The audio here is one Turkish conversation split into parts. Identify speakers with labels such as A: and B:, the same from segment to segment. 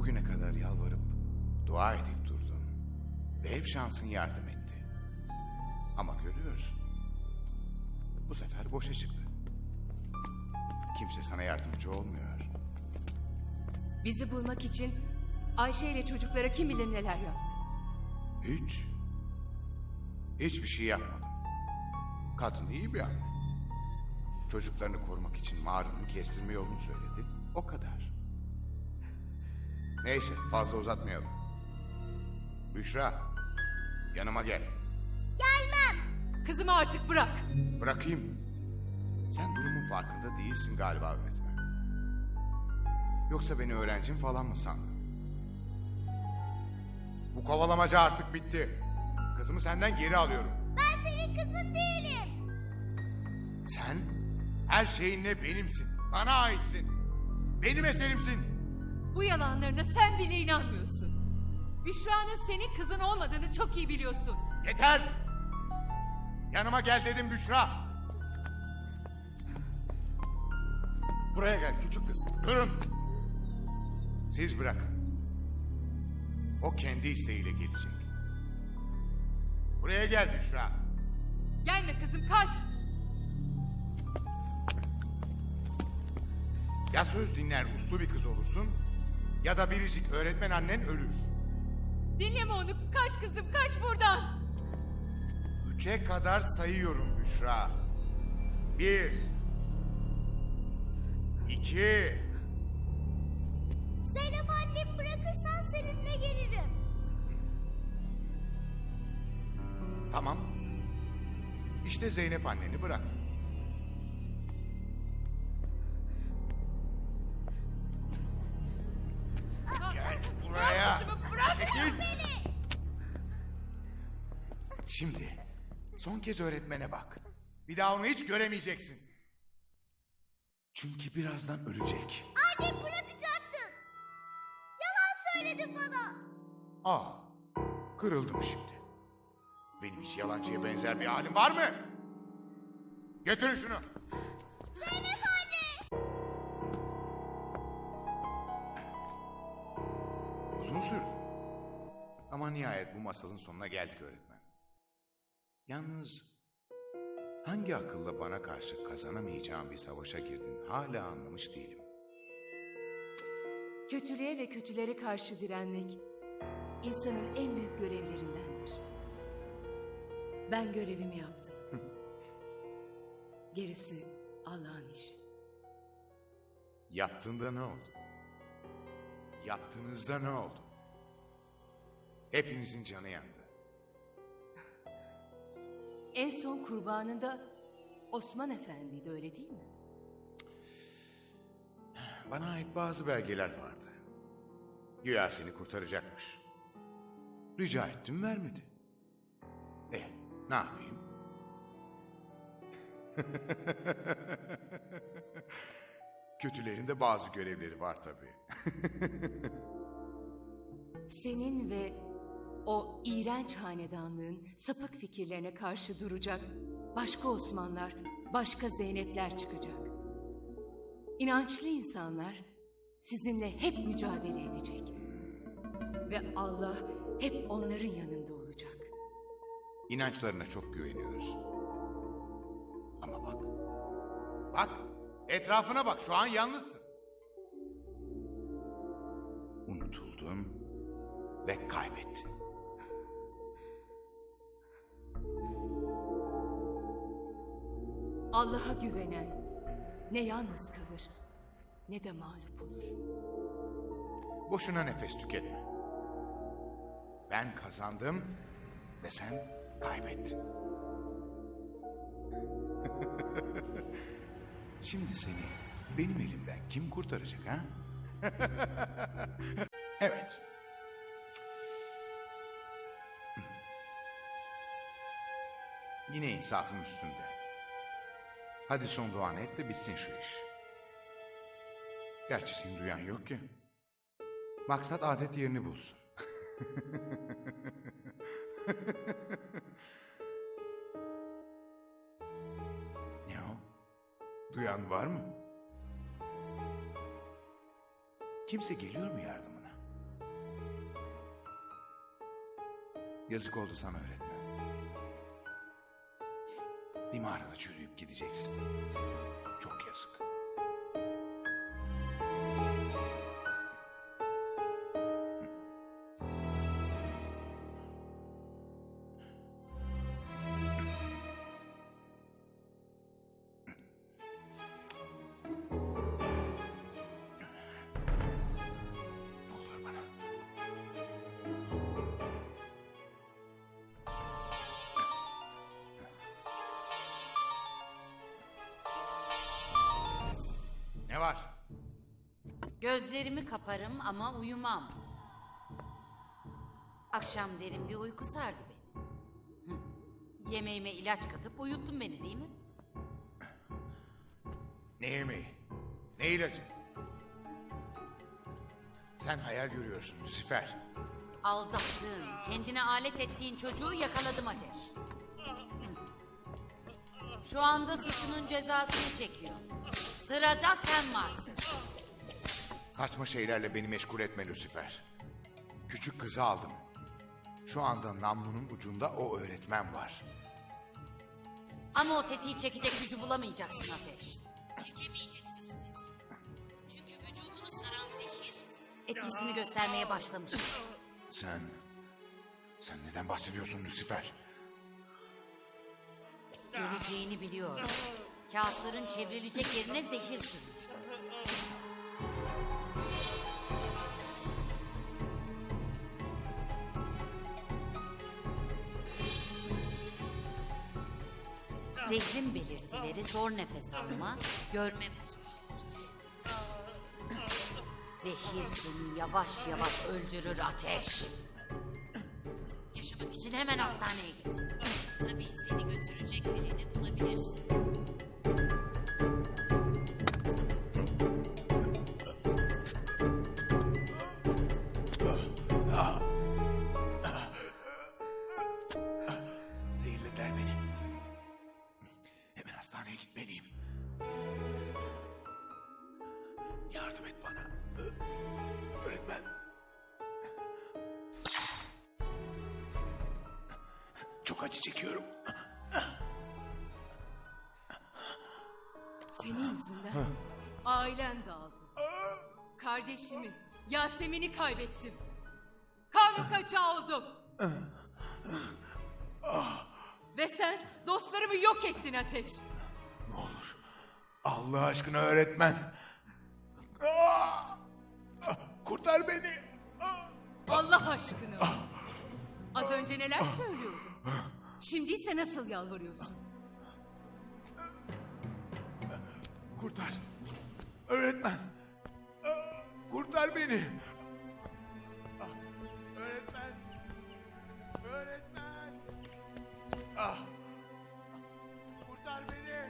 A: Bugüne kadar yalvarıp dua edip durdun ve hep şansın yardım etti. Ama görüyorsun, bu sefer boşa çıktı. Kimse sana yardımcı olmuyor.
B: Bizi bulmak için Ayşe ile çocuklara kim bilir neler yaptı.
A: Hiç. Hiçbir şey yapmadım. Kadın iyi bir anne. Çocuklarını korumak için mağaranın kestirme yolunu söyledi. O kadar. Neyse, fazla uzatmayalım. Büşra, yanıma gel.
B: Kızımı artık bırak.
A: Bırakayım. Sen durumun farkında değilsin galiba öğretmen. Yoksa beni öğrencim falan mı sandın? Bu kovalamaca artık bitti. Kızımı senden geri alıyorum.
C: Ben senin kızın değilim.
A: Sen her şeyinle benimsin. Bana aitsin. Benim eserimsin.
B: Bu yalanlarına sen bile inanmıyorsun. Büşra'nın senin kızın olmadığını çok iyi biliyorsun.
A: Yeter! Yanıma gel dedim Büşra. Buraya gel küçük kız. Durun. Siz bırakın. O kendi isteğiyle gelecek. Buraya gel Büşra.
B: Gelme kızım, kaç.
A: Ya söz dinler uslu bir kız olursun ya da biricik öğretmen annen ölür.
B: Dinleme onu, kaç kızım, kaç buradan.
A: 3'e kadar sayıyorum Büşra. 1 2
C: Zeynep annemi bırakırsan seninle gelirim.
A: Tamam. İşte Zeynep anneni bıraktı. Gel buraya.
B: Bırak
A: Çekil. Şimdi son kez öğretmene bak. Bir daha onu hiç göremeyeceksin. Çünkü birazdan ölecek.
C: Annemi bırakacaktın. Yalan söyledin bana.
A: Aa, kırıldım şimdi. Benim hiç yalancıya benzer bir halim var mı? Götürün şunu.
C: Zeynep anne.
A: Uzun sürdü. Ama nihayet bu masalın sonuna geldik öğretmen. Yalnız hangi akılla bana karşı kazanamayacağım bir savaşa girdin hala anlamış değilim.
B: Kötülüğe ve kötülere karşı direnmek insanın en büyük görevlerindendir. Ben görevimi yaptım. Gerisi Allah'ın işi.
A: Yaptığında ne oldu? Yaptığınızda ne oldu? Hepinizin canı yandı.
B: En son kurbanında Osman Efendi'ydi, öyle değil mi?
A: Bana ait bazı belgeler vardı. Güya seni kurtaracakmış. Rica ettim, vermedi. Ne yapayım? Kötülerin de bazı görevleri var tabii.
B: Senin ve o iğrenç hanedanlığın sapık fikirlerine karşı duracak başka Osmanlar, başka Zeynepler çıkacak. İnançlı insanlar sizinle hep mücadele edecek. Ve Allah hep onların yanında olacak.
A: İnançlarına çok güveniyoruz. Ama bak. Bak, etrafına bak, şu an yalnızsın. Unutuldun ve kaybettin.
B: Allah'a güvenen ne yalnız kalır ne de mağlup olur.
A: Boşuna nefes tüketme. Ben kazandım ve sen kaybettin. Şimdi seni benim elimden kim kurtaracak ha? Evet. Yine insafım üstünde. Hadi son duanı et de bitsin şu iş. Gerçi seni duyan yok ki. Maksat adet yerini bulsun. Ne o? Duyan var mı? Kimse geliyor mu yardımına? Yazık oldu sana öğretmen. Bir mağarada çürüyüp gideceksin. Çok yazık. Ne olur bana. Ne var?
D: Gözlerimi kaparım ama uyumam. Akşam derin bir uyku sardı beni. Yemeğime ilaç katıp uyuttun beni değil mi?
A: Ne yemeği? Ne ilacı? Sen hayal görüyorsun Lucifer.
D: Aldattığın, kendine alet ettiğin çocuğu yakaladım Ateş. Şu anda suçunun cezasını çekiyor. Sırada sen varsın.
A: Saçma şeylerle beni meşgul etme Lucifer. Küçük kızı aldım. Şu anda namlunun ucunda o öğretmen var.
D: Ama o tetiği çekecek gücü bulamayacaksın Ateş. Çekemeyeceksin o tetiği. Çünkü vücudunu saran zehir etkisini göstermeye başlamış.
A: Sen neden bahsediyorsun Lucifer?
D: Göreceğini biliyorum. Kağıtların çevrilecek yerine zehir sürmüş. Zehrin belirtileri zor nefes alma, görme bozukluğudur. Zehir seni yavaş yavaş öldürür Ateş. Yaşamak için hemen hastaneye git. Tabii seni götürecek birini bulabilirsin.
A: Zehirlediler beni. Hemen hastaneye gitmeliyim. Yardım et bana. Öğretmen. Çok acı çekiyorum.
B: Senin yüzünden ailem dağıldı. Kardeşimi, Yasemin'i kaybettim. Kanun kaçağı oldum. Ve sen dostlarımı yok ettin Ateş.
A: Ne olur. Allah aşkına öğretmen. Kurtar beni.
B: Allah aşkına. Az önce neler söylüyordun? Şimdi ise nasıl yalvarıyorsun?
A: Kurtar. Öğretmen. Kurtar beni. Öğretmen. Öğretmen. Kurtar beni.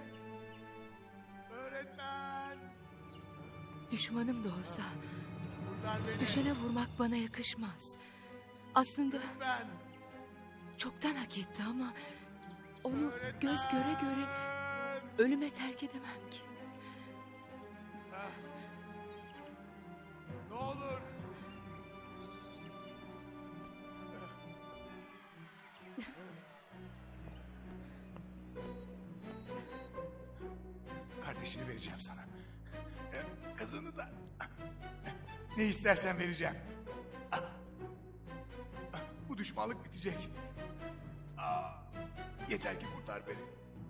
A: Öğretmen.
B: Düşmanım da olsa
A: Kurtar beni.
B: düşene vurmak bana yakışmaz. Aslında
A: Lütfen.
B: çoktan hak etti ama onu
A: Öğretmen.
B: göz göre göre ölüme terk edemem ki.
A: Ne olur. Kardeşini vereceğim sana. Kızını da. Ne istersen vereceğim. Bu düşmanlık bitecek. Yeter ki kurtar beni.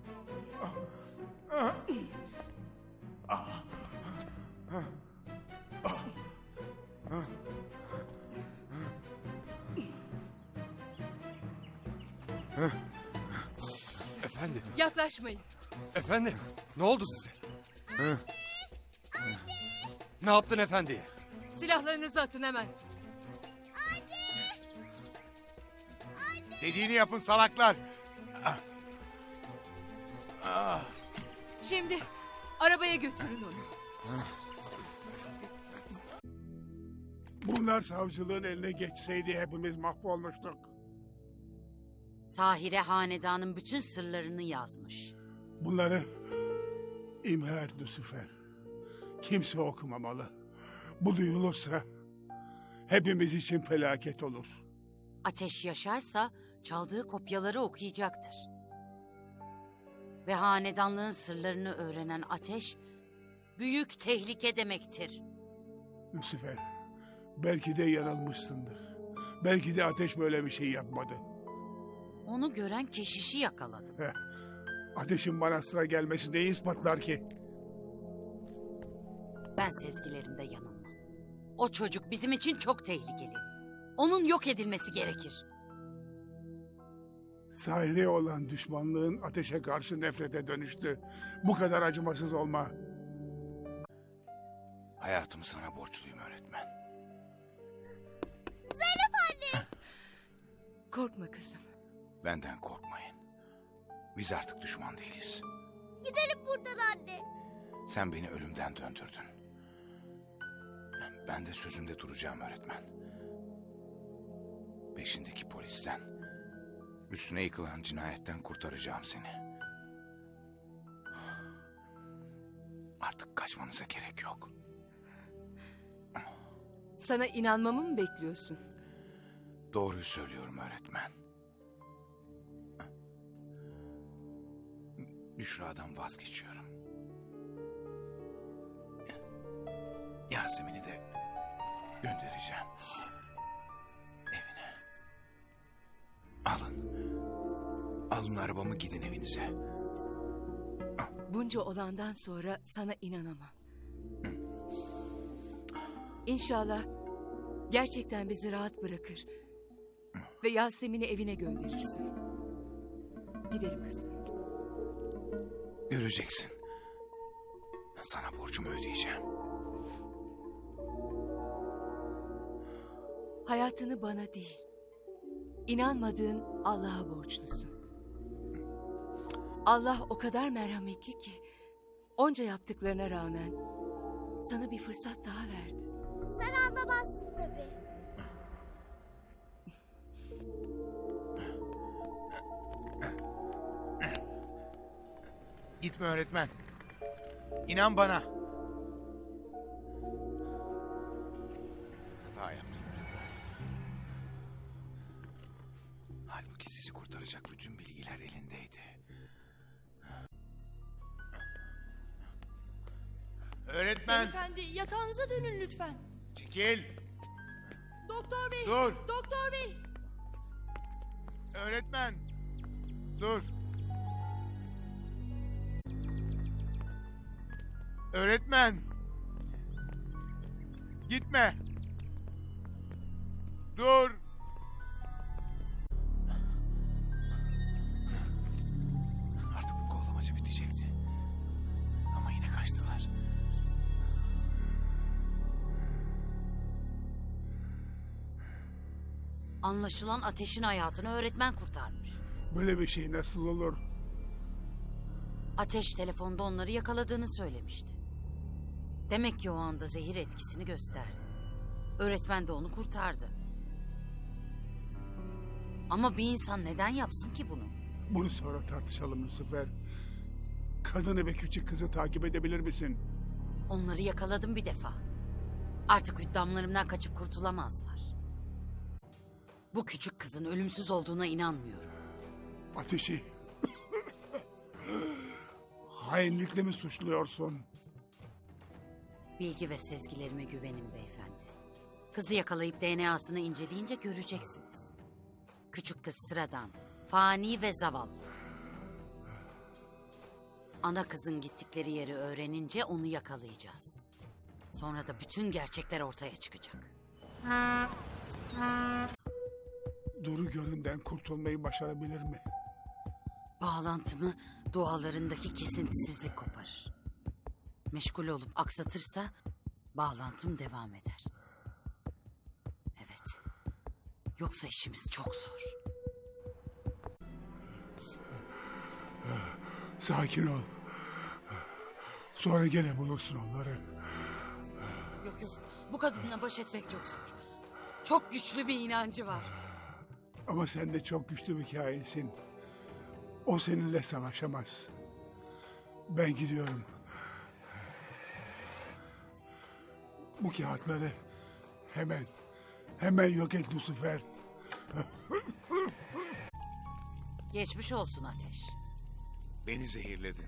E: Efendim,
B: Yaklaşmayın.
E: efendim. Ne oldu size? Ne yaptın efendiye?
B: Silahlarınızı atın hemen.
A: Dediğini yapın salaklar.
B: Şimdi arabaya götürün onu.
F: Bunlar savcılığın eline geçseydi hepimiz mahvolmuştuk.
D: Sahire hanedanın bütün sırlarını yazmış.
F: Bunları imha et Lucifer. Kimse okumamalı. Bu duyulursa hepimiz için felaket olur.
D: Ateş yaşarsa çaldığı kopyaları okuyacaktır. Ve hanedanlığın sırlarını öğrenen Ateş, büyük tehlike demektir.
F: Lucifer, belki de yanılmışsındır. Belki de Ateş böyle bir şey yapmadı.
D: Onu gören keşişi yakaladım.
F: Ateşin bana sıra gelmesi neyi ispatlar ki?
D: Ben sezgilerimde yanılmam. O çocuk bizim için çok tehlikeli. Onun yok edilmesi gerekir.
F: Sahire olan düşmanlığın Ateşe karşı nefrete dönüştü. Bu kadar acımasız olma.
A: Hayatımı sana borçluyum öğretmen.
B: Korkma kızım.
A: Benden korkmayın. Biz artık düşman değiliz.
C: Gidelim buradan anne.
A: Sen beni ölümden döndürdün. Ben de sözümde duracağım öğretmen. Peşindeki polisten, üstüne yıkılan cinayetten kurtaracağım seni. Artık kaçmanıza gerek yok.
B: Sana inanmamı mı bekliyorsun?
A: Doğruyu söylüyorum öğretmen. Büşra'dan vazgeçiyorum. Yasemin'i de göndereceğim. Evine. Alın. Alın arabamı gidin evinize.
B: Bunca olandan sonra sana inanamam. İnşallah gerçekten bizi rahat bırakır ve Yasemin'i evine gönderirsin. Gidelim kızım.
A: Göreceksin. Sana borcumu ödeyeceğim.
B: Hayatını bana değil, inanmadığın Allah'a borçlusun. Allah o kadar merhametli ki, onca yaptıklarına rağmen sana bir fırsat daha verdi.
C: Sen anlamazsın tabii.
A: Gitme öğretmen. İnan bana. Hata yaptım öğretmen. Halbuki sizi kurtaracak bütün bilgiler elindeydi. Öğretmen,
G: Beyefendi yatağınıza dönün lütfen.
A: çekil.
G: Doktor bey.
A: Dur.
G: Doktor bey.
A: Öğretmen, dur. Öğretmen. Gitme. Dur. Artık bu kovalamaca bitecekti. Ama yine kaçtılar.
D: Anlaşılan Ateş'in hayatını öğretmen kurtarmış.
F: Böyle bir şey nasıl olur?
D: Ateş telefonda onları yakaladığını söylemişti. Demek ki o anda zehir etkisini gösterdi. Öğretmen de onu kurtardı. Ama bir insan neden yapsın ki bunu?
F: Bunu sonra tartışalım Lucifer. Kadını ve küçük kızı takip edebilir misin?
D: Onları yakaladım bir defa. Artık hüddamlarımdan kaçıp kurtulamazlar. Bu küçük kızın ölümsüz olduğuna inanmıyorum.
F: Ateşi hainlikle mi suçluyorsun?
D: Bilgi ve sezgilerime güvenin beyefendi. Kızı yakalayıp DNA'sını inceleyince göreceksiniz. Küçük kız sıradan, fani ve zavallı. Ana kızın gittikleri yeri öğrenince onu yakalayacağız. Sonra da bütün gerçekler ortaya çıkacak.
F: Duru göründen kurtulmayı başarabilir mi?
D: Bağlantımı dualarındaki kesintisizlik koparır. Meşgul olup aksatırsa bağlantım devam eder. Evet. Yoksa işimiz çok zor.
F: Sakin ol. Sonra gene bulursun onları.
D: Yok yok. Bu kadınla baş etmek çok zor. Çok güçlü bir inancı var.
F: Ama sen de çok güçlü bir kainsin. O seninle savaşamaz. Ben gidiyorum. Bu kağıtları hemen yok et Lucifer.
D: Geçmiş olsun Ateş.
A: Beni zehirledin.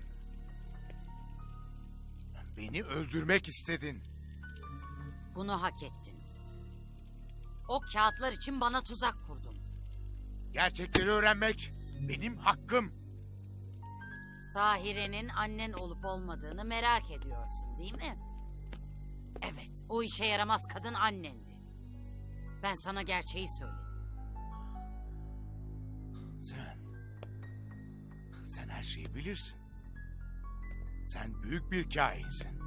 A: Beni öldürmek istedin.
D: Bunu hak ettin. O kağıtlar için bana tuzak kurdun.
A: Gerçekleri öğrenmek benim hakkım.
D: Sahire'nin annen olup olmadığını merak ediyorsun değil mi? Evet, o işe yaramaz kadın annendi. Ben sana gerçeği söyledim.
A: Sen her şeyi bilirsin. Sen büyük bir kahinsin.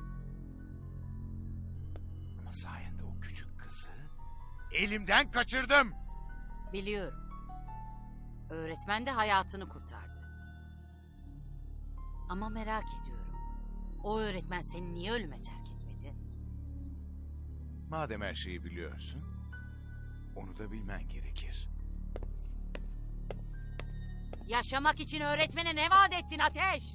A: Ama sayende o küçük kızı elimden kaçırdım.
D: Biliyorum. Öğretmen de hayatını kurtardı. Ama merak ediyorum. O öğretmen seni niye ölüme terk etmedi?
A: Madem her şeyi biliyorsun, onu da bilmen gerekir.
D: Yaşamak için öğretmene ne vaat ettin Ateş?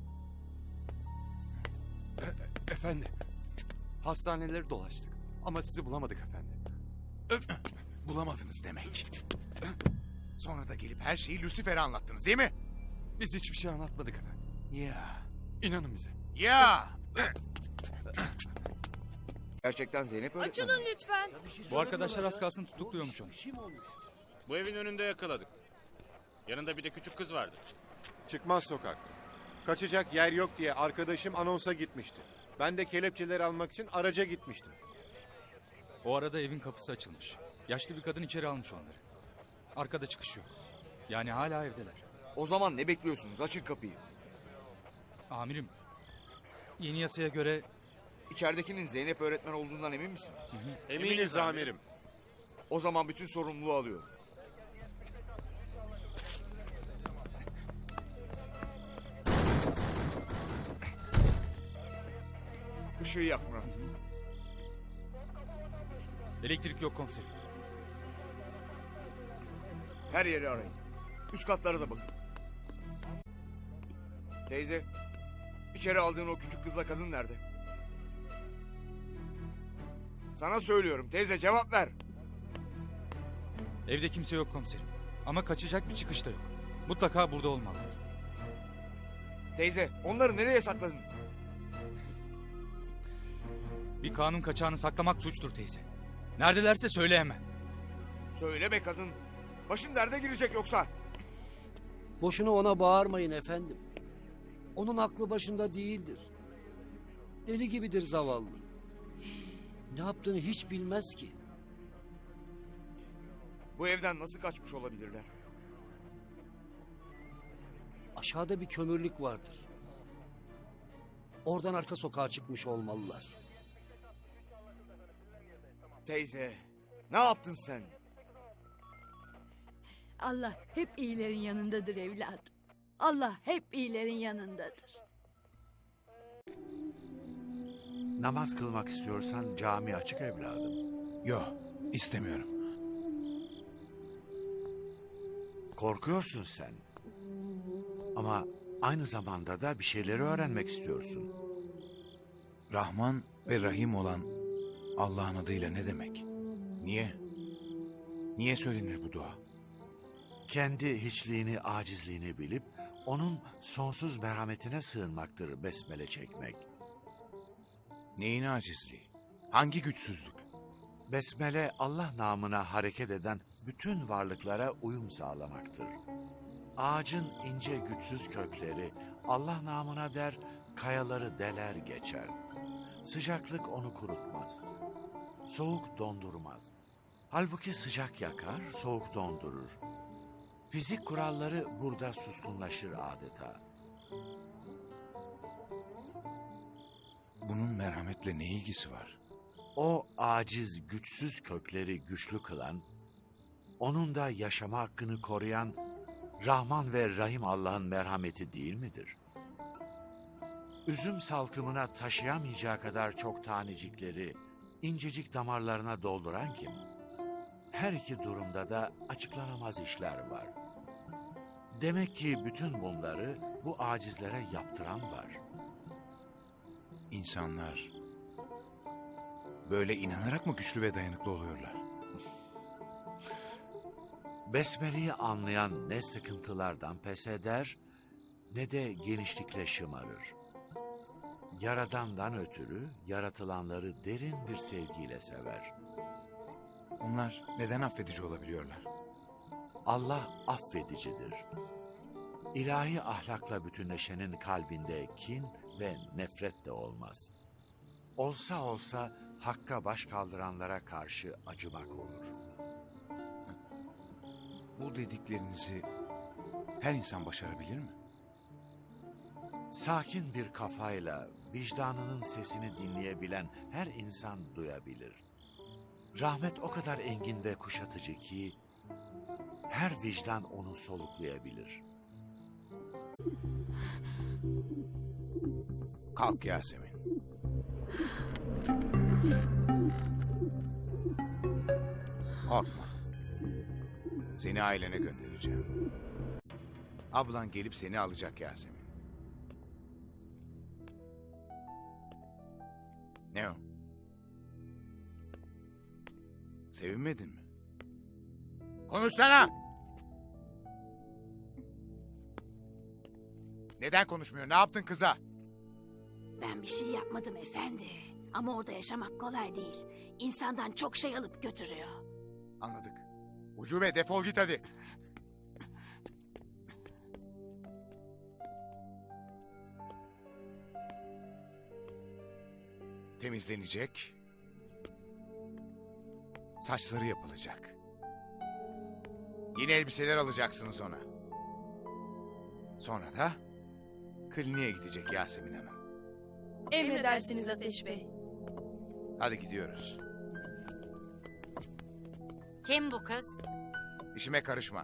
E: Efendi, hastaneleri dolaştık ama sizi bulamadık efendi.
A: Bulamadınız demek. Sonra da gelip her şeyi Lucifer'e anlattınız değil mi?
E: Biz hiçbir şey anlatmadık efendim.
A: Ya.
E: İnanın bize.
A: Ya.
H: Gerçekten Zeynep öğretmen.
G: Açılın lütfen.
I: Bu arkadaşlar az kalsın tutukluyormuş onu.
J: Bu evin önünde yakaladık. Yanında bir de küçük kız vardı.
K: Çıkmaz sokak. Kaçacak yer yok diye arkadaşım anonsa gitmişti. Ben de kelepçeleri almak için araca gitmiştim.
I: O arada evin kapısı açılmış. Yaşlı bir kadın içeri almış onları. Arkada çıkış yok. Yani hala evdeler.
H: O zaman ne bekliyorsunuz? Açın kapıyı.
I: Amirim, yeni yasaya göre
H: İçeridekinin Zeynep öğretmen olduğundan emin misiniz?
K: Eminiz amirim.
H: O zaman bütün sorumluluğu alıyorum. Işığı yak Murat.
I: elektrik yok komiserim.
H: Her yeri arayın. Üst katlara da bakın. Teyze, içeri aldığın o küçük kızla kadın nerede? Sana söylüyorum teyze, cevap ver.
I: Evde kimse yok komiserim. Ama kaçacak bir çıkış da yok. Mutlaka burada olmalılar.
H: Teyze, onları nereye sakladın?
I: Bir kanun kaçağını saklamak suçtur teyze. Neredelerse söyle hemen.
H: Söyle be kadın. Başın derde girecek yoksa.
L: Boşuna ona bağırmayın efendim. Onun aklı başında değildir. Deli gibidir zavallı. Ne yaptığını hiç bilmez ki.
H: Bu evden nasıl kaçmış olabilirler?
L: Aşağıda bir kömürlük vardır. Oradan arka sokağa çıkmış olmalılar.
H: Teyze, ne yaptın sen?
G: Allah hep iyilerin yanındadır evladım. Allah hep iyilerin yanındadır.
M: Namaz kılmak istiyorsan cami açık evladım.
A: Yok, istemiyorum.
M: Korkuyorsun sen. Ama aynı zamanda da bir şeyleri öğrenmek istiyorsun.
A: Rahman ve Rahim olan Allah'ın adıyla ne demek? Niye? Niye söylenir bu dua?
M: Kendi hiçliğini, acizliğini bilip onun sonsuz merhametine sığınmaktır besmele çekmek.
A: Neyin acizliği? Hangi güçsüzlük?
M: Besmele Allah namına hareket eden bütün varlıklara uyum sağlamaktır. Ağacın ince güçsüz kökleri Allah namına der, kayaları deler geçer. Sıcaklık onu kurutmaz. Soğuk dondurmaz. Halbuki sıcak yakar, soğuk dondurur. Fizik kuralları burada suskunlaşır adeta.
A: Bunun merhametle ne ilgisi var?
M: O aciz, güçsüz kökleri güçlü kılan, onun da yaşama hakkını koruyan Rahman ve Rahim Allah'ın merhameti değil midir? Üzüm salkımına taşıyamayacağı kadar çok tanecikleri incecik damarlarına dolduran kim? Her iki durumda da açıklanamaz işler var. Demek ki bütün bunları bu acizlere yaptıran var.
A: İnsanlar böyle inanarak mı güçlü ve dayanıklı oluyorlar?
M: Besmele'yi anlayan ne sıkıntılardan pes eder ne de genişlikle şımarır. Yaradan'dan ötürü yaratılanları derin bir sevgiyle sever.
A: Onlar neden affedici olabiliyorlar?
M: Allah affedicidir. İlahi ahlakla bütünleşenin kalbinde kin ve nefret de olmaz. Olsa olsa hakka baş kaldıranlara karşı acımak olur.
A: Bu dediklerinizi her insan başarabilir mi?
M: Sakin bir kafayla vicdanının sesini dinleyebilen her insan duyabilir. Rahmet o kadar engin ve kuşatıcı ki her vicdan onu soluklayabilir.
A: Kalk Yasemin. Korkma. Seni ailene göndereceğim. Ablan gelip seni alacak Yasemin. Ne o? Sevinmedin mi? Konuşsana! Neden konuşmuyor? Ne yaptın kıza?
N: Ben bir şey yapmadım efendi. Ama orada yaşamak kolay değil. İnsandan çok şey alıp götürüyor.
A: Anladık. Ucube defol git hadi. Temizlenecek. Saçları yapılacak. Yeni elbiseler alacaksınız ona. Sonra da kliniğe gidecek Yasemin Hanım.
O: Emredersiniz Ateş Bey.
A: Hadi gidiyoruz.
D: Kim bu kız?
A: İşime karışma.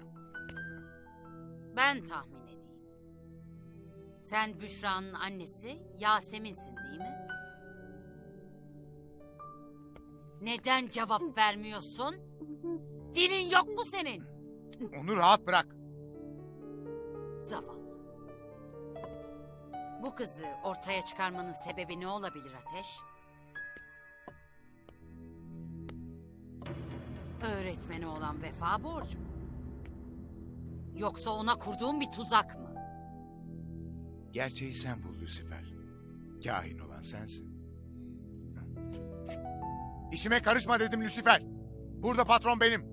D: Ben tahmin edeyim. Sen Büşra'nın annesi Yasemin'sin değil mi? Neden cevap vermiyorsun? Dilin yok mu senin?
A: Onu rahat bırak.
D: Zavallı. Bu kızı ortaya çıkarmanın sebebi ne olabilir Ateş? Öğretmeni olan vefa borcu mu? Yoksa ona kurduğun bir tuzak mı?
A: Gerçeği sen bul Lucifer. Kahin olan sensin. İşime karışma dedim Lucifer. Burada patron benim.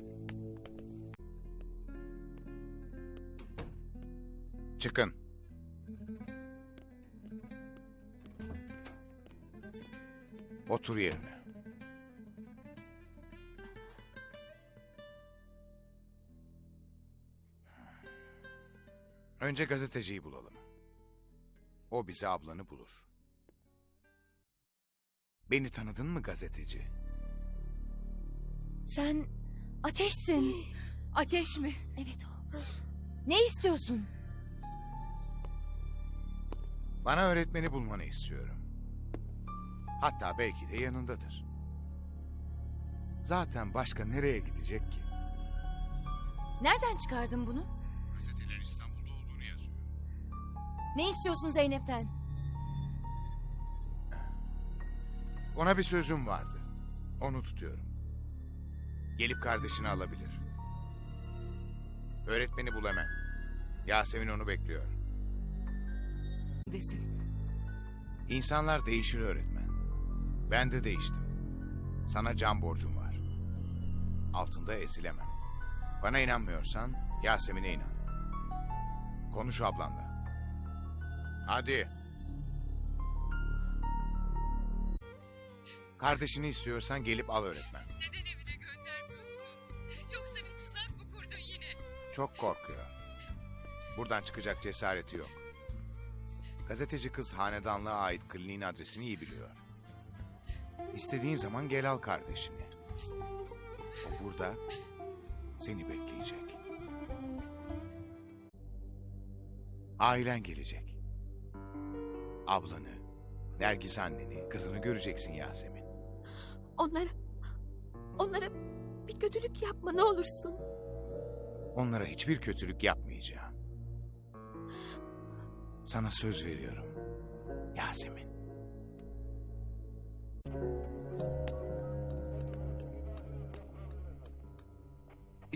A: Çıkın. Otur yerine. Önce gazeteciyi bulalım. O bize ablanı bulur. Beni tanıdın mı gazeteci?
O: Sen Ateş'sin.
B: Ateş mi?
O: Evet o. Ne istiyorsun?
A: Bana öğretmeni bulmanı istiyorum. Hatta belki de yanındadır. Zaten başka nereye gidecek ki?
O: Nereden çıkardın bunu?
A: Gazeteler İstanbul'da olduğunu yazıyor.
O: Ne istiyorsun Zeynep'ten?
A: Ona bir sözüm vardı. Onu tutuyorum. Gelip kardeşini alabilir. Öğretmeni bul hemen. Yasemin onu bekliyor.
B: Desin.
A: İnsanlar değişir öğretmen. Ben de değiştim. Sana can borcum var. Altında ezilemem. Bana inanmıyorsan Yasemin'e inan. Konuş ablanla. Hadi. Kardeşini istiyorsan gelip al öğretmen.
B: Neden evine göndermiyorsun? Yoksa bir tuzak mı kurdun yine?
A: Çok korkuyor. Buradan çıkacak cesareti yok. Gazeteci kız hanedanlığa ait kliniğin adresini iyi biliyor. İstediğin zaman gel al kardeşini. O burada seni bekleyecek. Ailen gelecek. Ablanı, Nergis anneni, kızını göreceksin Yasemin.
O: Onlara bir kötülük yapma ne olursun.
A: Onlara hiçbir kötülük yapmayacağım. Sana söz veriyorum. Yasemin.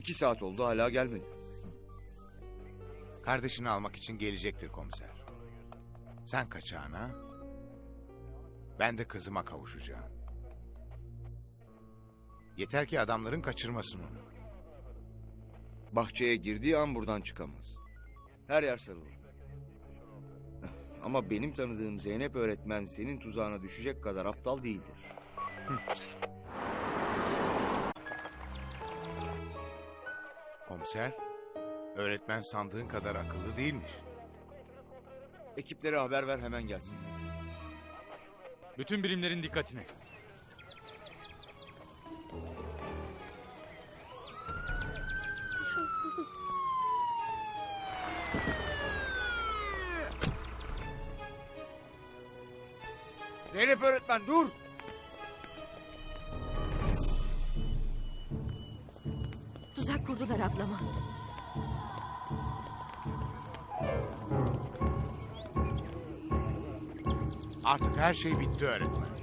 H: 2 saat oldu hala gelmedi.
A: Kardeşini almak için gelecektir komiser. Sen kaçağına, ben de kızıma kavuşacağım. Yeter ki adamların kaçırmasın onu.
H: Bahçeye girdiği an buradan çıkamaz. Her yer sarılı. Ama benim tanıdığım Zeynep öğretmen senin tuzağına düşecek kadar aptal değildir.
A: Komiser, öğretmen sandığın kadar akıllı değilmiş.
H: Ekiplere haber ver hemen gelsin.
I: Bütün birimlerin dikkatine.
H: Zeynep öğretmen dur!
O: Tuzak kurdular ablama.
A: Artık her şey bitti öğretmen.